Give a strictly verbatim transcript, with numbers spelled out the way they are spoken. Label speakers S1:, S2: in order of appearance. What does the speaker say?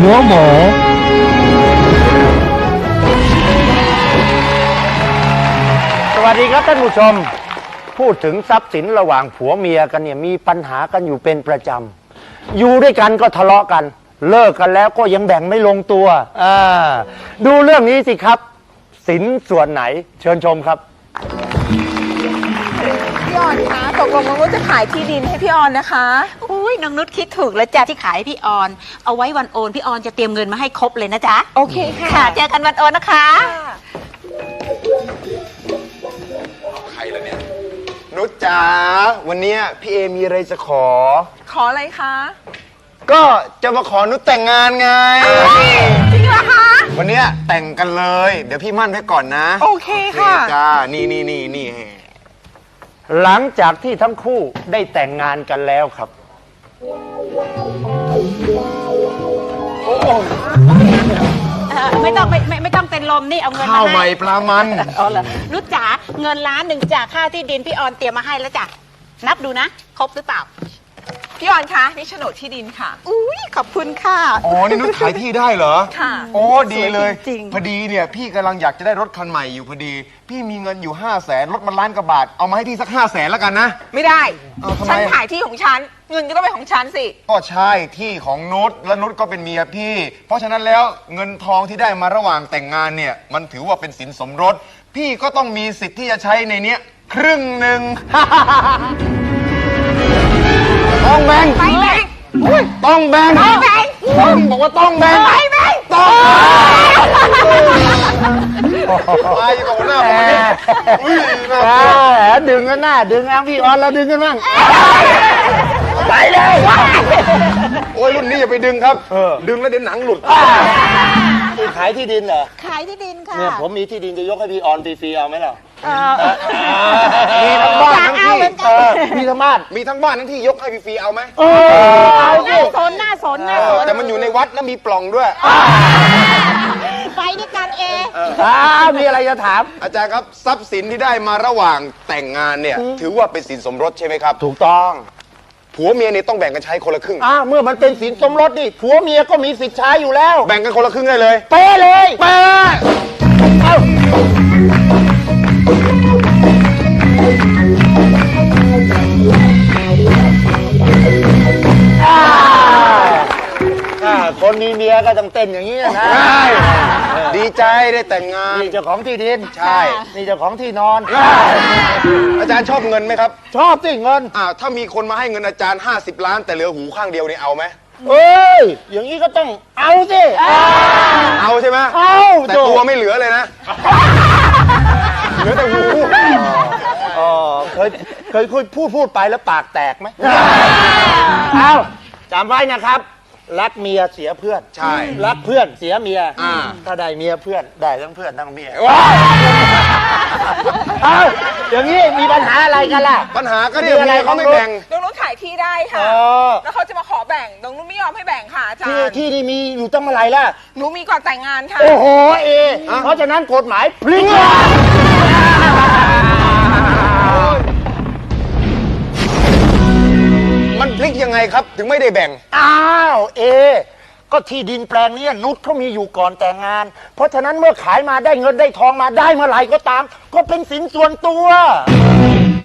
S1: หัวหมอสวัสดีครับท่านผู้ชมพูดถึงทรัพย์สินระหว่างผัวเมียกันเนี่ยมีปัญหากันอยู่เป็นประจำอยู่ด้วยกันก็ทะเลาะกันเลิกกันแล้วก็ยังแบ่งไม่ลงตัวอ่าดูเรื่องนี้สิครับสินส่วนไหนเชิญชมครับ
S2: พี่ออนคะตกลงน้องนุชจะขายที่ดินให้พี่ออนนะคะ
S3: อุ้ยน้องนุชคิดถูกแล้วจ้ะที่ขายให้พี่ออนเอาไว้วันโอนพี่ออนจะเตรียมเงินมาให้ครบเลยนะจ๊ะ
S2: โอเคค่ะ
S3: ค่ะเจอกันวันโอนนะคะ
S4: ใครล่ะเนี่ยนุชจ๋าวันนี้พี่เอมีอะไรจะขอ
S2: ขออะไรคะ
S4: ก็จะมาขอนุชแต่งงานไง
S2: จริงเหรอคะ
S4: วันนี้แต่งกันเลยเดี๋ยวพี่มั่นไว้ก่อนนะ
S2: โอเคค่ะ
S4: จ้านี่นี่นี่นี่
S1: หลังจากที่ทั้งคู่ได้แต่งงานกันแล้วครับ
S4: โอ้
S3: ไม่ต้องไม่ไม่ไม่ต้องเป็นลมนี่เอาเงินมาให้
S4: ข้าวใหม่ปลามัน
S3: อ๋อเหรอนุชจ๋าเงินล้านหนึ่งจากค่าที่ดินพี่ออนเตรียมมาให้แล้วจ้ะนับดูนะครบหรือเปล่า
S2: พี่ออนคะนี่โฉนดที่ดินค่ะ
S3: อุ้ยขอบคุณค่ะ
S4: อ๋อนี่นุชขายที่ได้เหรอ
S2: ค่ะ
S4: โอ้ดีเลยพอดีเนี่ยพี่กำลังอยากจะได้รถคันใหม่อยู่พอดีพี่มีเงินอยู่ห้าแสนรถมันล้านกว่าบาทเอามาให้พี่สักห้าแสนแล้วกันนะ
S2: ไม่ได้ฉัน
S4: ฉั
S2: ขายที่ของฉันเงินก็ต้องเป็นของฉันสิ
S4: ก็ใช่ที่ของนุชและนุชก็เป็นเมียพี่เพราะฉะนั้นแล้วเงินทองที่ได้มาระหว่างแต่งงานเนี่ยมันถือว่าเป็นสินสมรสพี่ก็ต้องมีสิทธิ์ที่จะใช้ในเนี้ยครึ่งหนึ่งต้องแบ่ง
S2: ไปแบ่ง
S4: ต้องแบ่ง
S2: ไปแบ่ง
S4: ต้องบอกว่าต้องแบ่ง
S2: ไปแบ่ง
S4: ต้องไปกับหัวหน้าผมนี่อุ้ยน่า
S1: ดึงกันหน้าดึงอ้างพี่ออนเราดึงกันบ้าง
S4: ไปเลยโอ้ยรุ่นนี้อย่าไปดึงครับดึงแล้วเดี๋ยวหนังหลุด
S1: คือขายที่ดินเหรอ
S3: ขายที่ดินค่ะ
S1: เนี่ยผมมีที่ดินจะยกให้พี่ออนฟรีๆเอาไหมล่ะ
S4: มีทั้งบ้านทั้งที่
S1: มีทั้งบ้าน
S4: มีทั้งบ้านทั้งที่ยกให้ฟรีๆเอาไหม
S1: เออเอา
S3: หน้าสนหน้าสนหน้าสน
S4: แต่มันอยู่ในวัดแล้วมีปล่องด้วย
S3: ไปด้วยกันเอง
S1: มีอะไรจะถาม
S4: อาจารย์ครับทรัพย์สินที่ได้มาระหว่างแต่งงานเนี่ยถือว่าเป็นสินสมรสใช่ไหมครับ
S1: ถูกต้อง
S4: ผัวเมียเนี่ยต้องแบ่งกันใช้คนละครึ่ง
S1: อ่าเมื่อมันเป็นสินสมรสนี่ผัวเมียก็มีสิทธิ์ใช้อยู่แล้ว
S4: แบ่งกันคนละครึ่งได้เลย
S1: เป๊ะเลย
S4: เป๊ะเอ้า
S1: คนมีเมียก็ต้องเต้นอย่างนี้นะ
S4: ดีใจได้แต่งงาน
S1: นี่เจ้าของที่ดิน
S4: ใช่
S1: นี่เจ้าของที่นอน
S4: อาจารย์ชอบเงินไหมครับ
S1: ชอบสิเงิน
S4: อ่าถ้ามีคนมาให้เงินอาจารย์ห้าสิบล้านแต่เหลือหูข้างเดียวนี่เอาไหม
S1: เอ้ยอย่างนี้ก็ต้องเอาสิ
S4: เอาใช่ไหม
S1: เอา
S4: แต่ตัวไม่เหลือเลยนะเหลือแต่หู
S1: อ๋อเคยเคยคุยพูดพูดไปแล้วปากแตกไหมเอาจำไว้นะครับรักเมียเสียเพื่อน
S4: ใช่
S1: รักเพื่อนเสียเมียถ้าได้เมียเพื่อนได้ทั้งเพื่อนทั้งเมียเอาอย่างนี้มีปัญหาอะไรกันล่ะ
S4: ปัญหาก็เนี่ยเมียเขาไม่แบ่ง
S2: น้องนุชขายที่ได้ค่ะแล้วเขาจะมาขอแบ่งน้องนุชไม่ยอมให้แบ่งค่ะอาจารย์
S1: ที่นี่มีอยู่ตั้งเมื่อไหร่ล่ะ
S2: หนูมีก่อนแต่งงานค่ะ
S1: โอ้โหเอเพราะฉะนั้นกฎหมายพลิก
S4: มันพลิกยังไงครับถึงไม่ได้แบ่ง
S1: อ้าวเอก็ที่ดินแปลงนี้นุชเขามีอยู่ก่อนแต่งงานเพราะฉะนั้นเมื่อขายมาได้เงินได้ทองมาได้เมื่อไหร่ก็ตามก็เป็นสินส่วนตัว